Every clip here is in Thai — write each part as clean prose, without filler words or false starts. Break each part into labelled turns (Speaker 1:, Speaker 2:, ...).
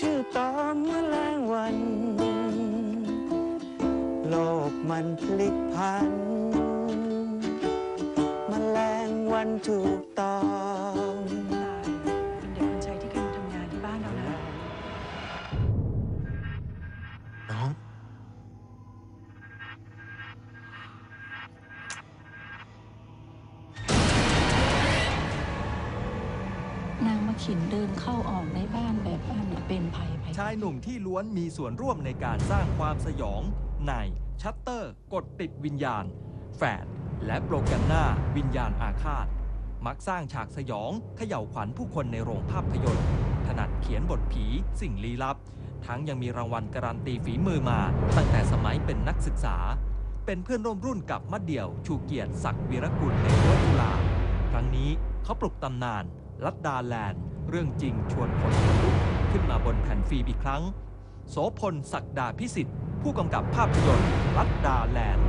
Speaker 1: ชื่อตอนแมลงวันโลกมันพลิกผันแมลงวันถูกตอง
Speaker 2: เด็กคนใช้ที่เคยมาทำงานที่บ้านเรานะ
Speaker 3: น้อง
Speaker 4: นางมาขินเดินเข้าออกในบ้านแบบอันเป็นภัย
Speaker 5: ชายหนุ่มที่ล้วนมีส่วนร่วมในการสร้างความสยองในชัตเตอร์กดติดวิญญาณแฝดและโปรแกรมหน้าวิญญาณอาฆาตมักสร้างฉากสยองเขย่าวขวัญผู้คนในโรงภาพยนตร์ถนัดเขียนบทผีสิ่งลี้ลับทั้งยังมีรางวัลการันตีฝีมือมาตั้งแต่สมัยเป็นนักศึกษาเป็นเพื่อนร่วมรุ่นกับมัดเดี่ยวชูเกียรติศักดิ์วีรกุลในรั้วจุฬาครั้งนี้เขาปลุกตำนานลัดดาแลนด์เรื่องจริงชวนคนขนลุกขึ้นมาบนแผ่นฟิล์มอีกครั้งโสพลศักดาพิสิทธิ์ผู้กำกับภาพยนตร์ลัดดาแลนด์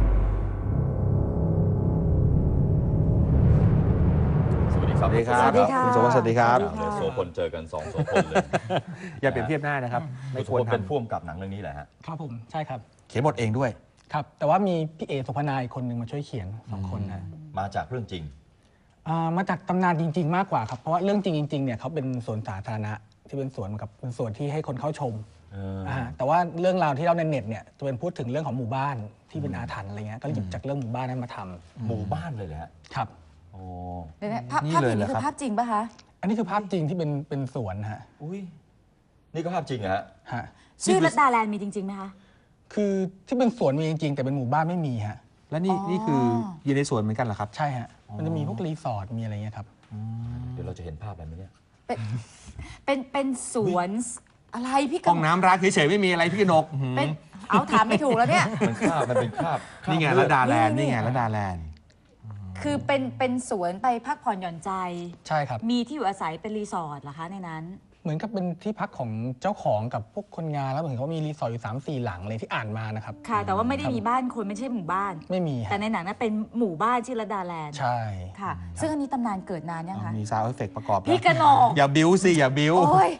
Speaker 3: สวัสดีครับ
Speaker 6: สวัสดีค่ะคุณโสพลสวัสดีครับ
Speaker 3: โสพลเจอกัน2โสพลเลย
Speaker 6: อย่าเปรียบเทียบหน้านะครับ
Speaker 3: ไม่ควรเป็นผู้กำกับหนังเรื่องนี้แหละฮะ
Speaker 7: ครับผมใช่ครับ
Speaker 6: เขียนบทเองด้วย
Speaker 7: ครับแต่ว่ามีพี่เอสุพนายคนหนึ่งมาช่วยเขียน2 คนนะ
Speaker 3: มาจากเรื่องจริง
Speaker 7: มาจากตำนานจริงๆมากกว่าครับเพราะว่าเรื่องจริงๆเนี่ยเขาเป็นสวนสาธารณะที่เป็นสวนกับเป็นสวนที่ให้คนเข้าชมแต่ว่าเรื่องราวที่เล่าในเน็ตเนี่ยจะเป็นพูดถึงเรื่องของหมู่บ้านที่เป็นอาถรรพ์อะไรเงี้ยก็หยิบจากเรื่องหมู่บ้านนั้นมาทำ
Speaker 3: หมู่บ้านเลยแหละ
Speaker 7: ครับ
Speaker 3: โอ้
Speaker 2: ภาพนี้คือภาพจริงป่ะคะ
Speaker 7: อันนี้คือภาพจริงที่เป็นสวนฮะ
Speaker 3: อุ้ยนี่ก็ภาพจริงฮะ
Speaker 2: ชื่อลัดดาแลนด์มีจริงๆไหมคะ
Speaker 7: คือที่เป็นสวนมีจริงๆแต่เป็นหมู่บ้านไม่มีฮะ
Speaker 6: และนี่คืออยู่ในสวนเหมือนกันเหรอครับ
Speaker 7: ใช่ฮะมันจะมีพวกรีสอร์ทมีอะไรเงี้ยครับ
Speaker 3: เดี๋ยวเราจะเห็นภาพอะไรไหมเนี่ย
Speaker 2: เป็นสวนอะไรพี่
Speaker 6: ห้องน้ำร้านเฉยๆไม่มีอะไรพี่กนก
Speaker 2: เป็นเอาถามไม่ถูกแล้วเนี่ย
Speaker 3: มันเป็นภาพ
Speaker 6: นี่ไงลัดดาแลนด์นี่ไงลัดดาแลนด์
Speaker 2: คือเป็นสวนไปพักผ่อนหย่อนใจ
Speaker 7: ใช่ครับ
Speaker 2: มีที่อยู่อาศัยเป็นรีสอร์ทเหรอคะในนั้น
Speaker 7: เหมือนกับเป็นที่พักของเจ้าของกับพวกคนงานแล้วเหมือนเขามีรีสอร์ทอยู่3-4 หลังเลยที่อ่านมานะครับ
Speaker 2: ค่ะแต่ว่าไม่ได้มีบ้านคนไม่ใช่หมู่บ้าน
Speaker 7: ไม่มี
Speaker 2: แต่ในหนังนั้นเป็นหมู่บ้านชื่อลัดดาแลนด์
Speaker 7: ใช่
Speaker 2: ค่ะซึ่งอันนี้ตำนานเกิดนานยังคะ
Speaker 6: มีซาวด์เอฟเฟกต์ประกอบ
Speaker 2: พี่กนก
Speaker 6: อย่าบิ้วสิอย่าบิ้ว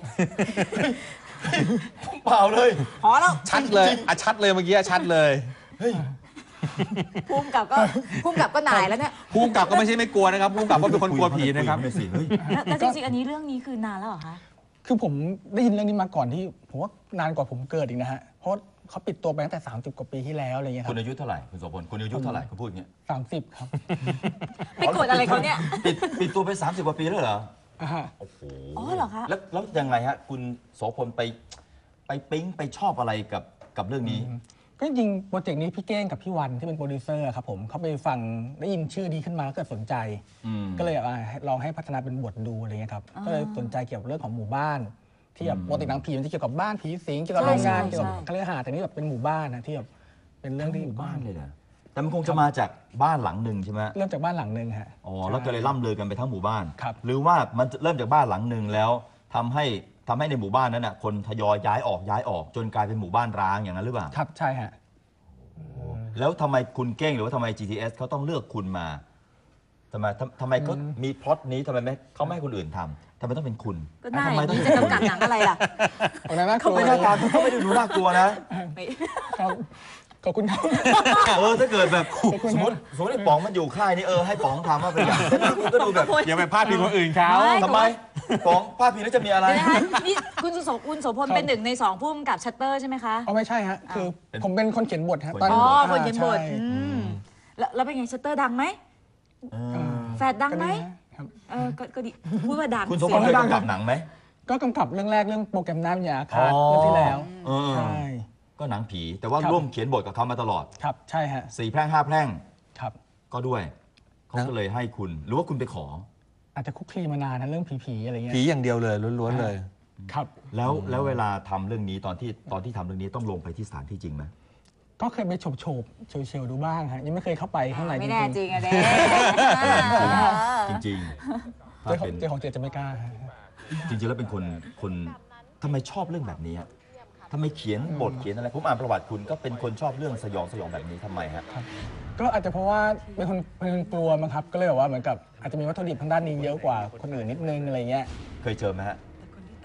Speaker 3: เปล่าเลย
Speaker 2: พอแล้ว
Speaker 6: ชัดเลยชัดเลยเมื่อกี้ชัดเลย
Speaker 2: ภูมิกับก็หน่ายแล้วเนี่ย
Speaker 6: ภูมิกับก็ไม่ใช่ไม่กลัวนะครับภูมิกับก็เป็นคนกลัวผีนะครับ
Speaker 2: แล้วจริงๆอันนี้เรื่องนี้คือนานแล้วเหรอคะ
Speaker 7: คือผมได้ยินเรื่องนี้มาก่อนที่ผมว่านานกว่าผมเกิดอีกนะฮะเพราะเขาปิดตัวไปตั้งแต่30 กว่าปีที่แล้วอะไรเงี้ยครับ
Speaker 3: คุณอายุเท่าไหร่คุณโสพลคุณอายุเท่าไหร่คุณพูดอย่างเงี้ย
Speaker 7: 30ครับ
Speaker 2: ไปกดอะไรเขาเนี่ย
Speaker 3: ปิดตัวไป30 กว่าปีแล้วเหรอโอ้โห
Speaker 2: อ๋อเหรอคะ
Speaker 3: แล้วยังไงฮะคุณโสพลไปปิ๊งไปชอบอะไรกับเรื่องนี้
Speaker 7: ก็จริงโปรเจกต์นี้พี่เก้งกับพี่วันที่เป็นโปรดิวเซอร์ครับผมเขาไปฟังได้ยินชื่อดีขึ้นมาแล้วก็สนใจก็เลยลองให้พัฒนาเป็นบทดูอะไรเงี้ยครับก็เลยสนใจเกี่ยวกับเรื่องของหมู่บ้านที่แบบปกติหนังผีมันจะเกี่ยวกับบ้านผีสิงเกี่ยวกับโรงงานเกี่ยวกับคฤหาสน์แต่นี่แบบเป็นหมู่บ้านนะที่แบบเป็นเรื่องที่
Speaker 3: หมู่บ้านเลยนะแต่มันคงจะมาจากบ้านหลังหนึ่งใช่ไหม
Speaker 7: เริ่มจากบ้านหลังหนึ่งฮะ
Speaker 3: อ๋อแล้วก็เลยล่ำลือกันไปทั้งหมู่บ้าน
Speaker 7: ครับ
Speaker 3: หรือว่ามันเริ่มจากบ้านหลังหนึ่งแล้วทำให้ในหมู่บ้านนั้นน่ะคนทยอยย้ายออกจนกลายเป็นหมู่บ้านร้างอย่างนั้นหรือเปล่า
Speaker 7: ครับใช่ฮะ
Speaker 3: แล้วทำไมคุณเก้งหรือว่าทำไม GTS เขาต้องเลือกคุณมาทำไมเขามีพล็อตนี้ทำไมเขาไม่ให้คนอื่นทำต้องเป็นคุณ
Speaker 2: ก็ได้นี่จะกำกับหนังอะไรล่ะ
Speaker 3: เขาไม่ได้ตามเขาไม่ได้ดูน่ากลัวนะ
Speaker 7: ขอบคุณครับ
Speaker 3: ถ้าเกิดแบบสมมติไอ้ป๋องมันอยู่ค่ายนี้ให้ป๋องทำว่าเป็นอย่างนั้นคุณก็ดูแบบ
Speaker 6: อย่าไปพาดพิงคนอื่นเขา
Speaker 3: ทำไมป๋องพาดพิงแล้วจะมีอะไร
Speaker 2: นี่คุณโสพลเป็น1 ใน 2ผู้กำกับชัตเตอร์ใช่ไหมคะ
Speaker 7: ไม่ใช่ฮะคือผมเป็นคนเขียนบทฮะ
Speaker 2: คนเขียนบทแล้วเป็นไงชัตเตอร์ดังไหมแฟดดังไหมก็ดีพูดว่าดัง
Speaker 3: คุณโสพลเคยกำกับหนังไหม
Speaker 7: ก็กำกับเรื่องแรกเรื่องโปรแกรมน้ำยาคาเรื่องที่แล้วใช่
Speaker 3: ก็หนังผีแต่ว่าร่วมเขียนบทกับเขามาตลอด
Speaker 7: ครับใช่ฮะ
Speaker 3: 4 แพร่ง 5 แพร่ง
Speaker 7: ครับ
Speaker 3: ก็ด้วยเขาก็เลยให้คุณหรือว่าคุณไปขอ
Speaker 7: อาจจะคุกคลีมานานนะเรื่องผีอะไรเงี้ย
Speaker 6: ผีอย่างเดียวเลยล้วนๆเลย
Speaker 7: ครับ
Speaker 3: แล้วเวลาทำเรื่องนี้ตอนที่ทำเรื่องนี้ต้องลงไปที่สถานที่จริงไหม
Speaker 7: ก็เคยไปโฉบเชลดูบ้างฮะยังไม่เคยเข้าไปข้างใน
Speaker 2: ไม่แน่จริงอะเด้
Speaker 3: จริง
Speaker 7: เจ้าของเจจะไม่กล้า
Speaker 3: จริงๆแล้วเป็นคนทำไมชอบเรื่องแบบนี้ทำไมเขียนบทเขียนอะไรผมอ่านประวัติคุณก็เป็นคนชอบเรื่องสยองแบบนี้ทำไมฮะ
Speaker 7: ก็อาจจะเพราะว่าเป็นคนกลัวมั้งครับก็เลยแบบว่าเหมือนกับอาจจะมีวัตถุดิบทางด้านนี้เยอะกว่าคนอื่นนิดนึงอะไรเงี้ย
Speaker 3: เคยเจอไหมฮะ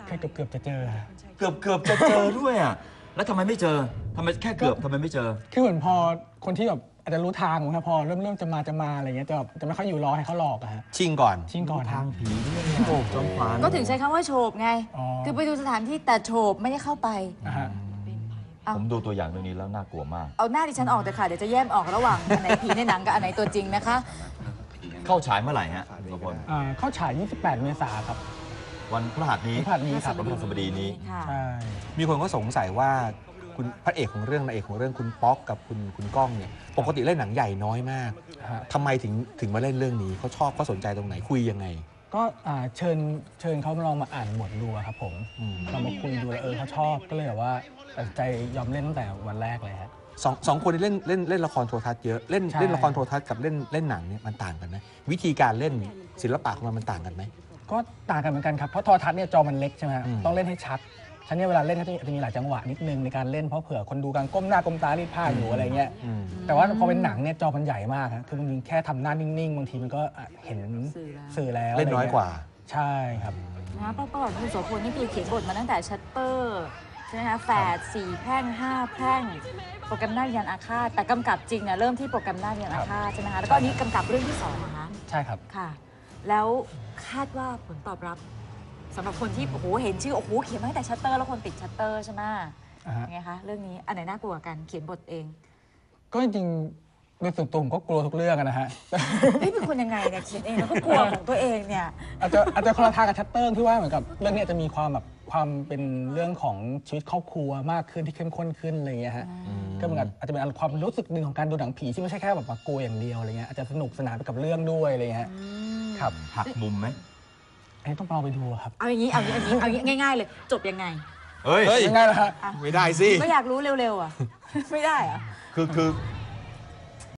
Speaker 7: แค่เกือบจะเจอ
Speaker 3: เกือบจะเจอด้วยอ่ะแล้วทำไมไม่เจอทำไมแค่เกือบทำไมไม่เจอ
Speaker 7: คือเหมือนพอคนที่แบบอาจจะรู้ทางนะครับพอเริ่มจะมาอะไรเงี้ยจะไม่ค่อยอยู่รอให้เขาหลอกอะฮะ
Speaker 6: ชิงก่อน
Speaker 7: ชิงก่อน
Speaker 3: ทางผีด้วยโอ้จอมขวัญ
Speaker 2: ก็ถึงใช้คำว่าโฉบไง
Speaker 7: อ๋อ
Speaker 2: คือไปดูสถานที่แต่โฉบไม่ได้เข้าไป
Speaker 7: นะฮะ
Speaker 3: ผมดูตัวอย่างเรื่องนี้แล้วน่ากลัวมาก
Speaker 2: เอาหน้าดิฉันออกแต่ค่ะ เดี๋ยวจะแยกออกระหว่างอันไหนผีในหนังกับอันไหนตัวจริงนะคะ
Speaker 3: เข้าฉายเมื่อไหร่ฮะทุกคน
Speaker 7: เข้าฉาย 28 เมษายนครับ
Speaker 3: วันพฤหัสนี้
Speaker 7: พฤหัสนี้ครับ
Speaker 3: วันพฤหัสบดีนี้
Speaker 2: ค่ะ
Speaker 7: ใช่
Speaker 6: มีคนก็สงสัยว่าคุณพระเอกของเรื่องนางเอกของเรื่องคุณป๊อกกับคุณก้องเนี่ยปกติเล่นหนังใหญ่น้อยมาก
Speaker 7: ฮะ
Speaker 6: ทำไมถึงมาเล่นเรื่องนี้เขาชอบเขาสนใจตรงไหนคุยยังไง
Speaker 7: ก็เชิญเขาลองมาอ่านบทดูอะครับผม
Speaker 6: อืม
Speaker 7: ลองมาคุยดูแล้วเขาชอบก็เลยแบบว่าตัดสินใจยอมเล่นตั้งแต่วันแรกเลยฮะ
Speaker 6: สองคนที่เล่นละครโทรทัศน์เยอะเล่น
Speaker 7: ใช่
Speaker 6: เล่นละครโทรทัศน์กับเล่นหนังเนี่ยมันต่างกันไหมวิธีการเล่นศิลปะของมันต่างกันไหม
Speaker 7: ก็ต่างกันเหมือนกันครับเพราะโทรทัศน์เนี่ยจอมันเล็กใช่ไหมฮะ
Speaker 6: อืม
Speaker 7: ต้องเล่นให้ชัดฉะนั้นเวลาเล่นก็จะมีหลายจังหวะนิดนึงในการเล่นเพราะเผื่อคนดูกำลังก้มหน้าก้มตารีดผ้าอยู่อะไรเงี้ย
Speaker 6: อืม
Speaker 7: แต่ว่าพอเป็นหนังเนี่ยจอมันใหญ่มากครับคือบางทีแค่ทำหน้านิ่งๆบางทีมันก็เห็นสื่อแล้ว
Speaker 6: เล่นน้อยกว่า
Speaker 7: ใช่ครับ
Speaker 2: นะประวัติคุณโสพลนี่คือเขียนบทมาตั้งแต่ชัตเตอร์ใช่ไหมคะแฝด4 แพร่ง 5 แพร่ง โปรแกรมหน้าวิญญาณอาฆาตแต่กำกับจริงเนี่ยเริ่มที่โปรแกรมหน้าวิญญาณอาฆาตใช่ไหมคะแล้วก็อันนี้กำกับเรื่องที่2นะคะ
Speaker 7: ใช่ครับ
Speaker 2: ค่ะ แล้วคาดว่าผลตอบรับสำหรับคนที่โอ้โหเห็นชื่อโอ้โหเขียนมาตั้งแต่ชัตเตอร์แล้วคนติดชัตเตอร์ใช่ไหม
Speaker 7: อ่าฮะ
Speaker 2: ยังไงคะเรื่องนี้อันไหนน่ากลัวกว่ากันเขียนบทเอง
Speaker 7: ก็จริงๆโดยส่วนตัวผมก็กลัวทุกเรื่องอะนะฮะ
Speaker 2: เฮ้ยเป็นคนยังไงเนี่ยเขียนเองแล้วก็กลัวของตัวเองเนี่ย
Speaker 7: อาจจะคนละทางกับชัตเตอร์ที่ว่าเหมือนกับเรื่องนี้จะมีความเป็นเรื่องของชีวิตครอบครัวมากขึ้นที่เข้มข้นขึ้นอะไรอย่างเงี้ยฮะก็เหมือนกับอาจจะเป็นความรู้สึกหนึ่งของการดูหนังผีที่ไม่ใช่แค่แบบมากลัวอย่างเดียวอะไรเงี้ยอาจจะสนุกสนานไปกับเรื่องด้วยอะไรเงี้ยครับ
Speaker 3: หักมุมไหม
Speaker 7: อันนี้ต้องลองไปดูครับ
Speaker 2: เอาอย่างนี้ง่ายๆเลย จบยังไง
Speaker 3: เฮ้ย
Speaker 6: เฮ้ย
Speaker 7: ง่ายๆนะฮะ
Speaker 6: ไม่ได้สิ
Speaker 2: ก็อยากรู้เร็วๆอ่ะ ไม่ได้เหรอะ
Speaker 3: คือ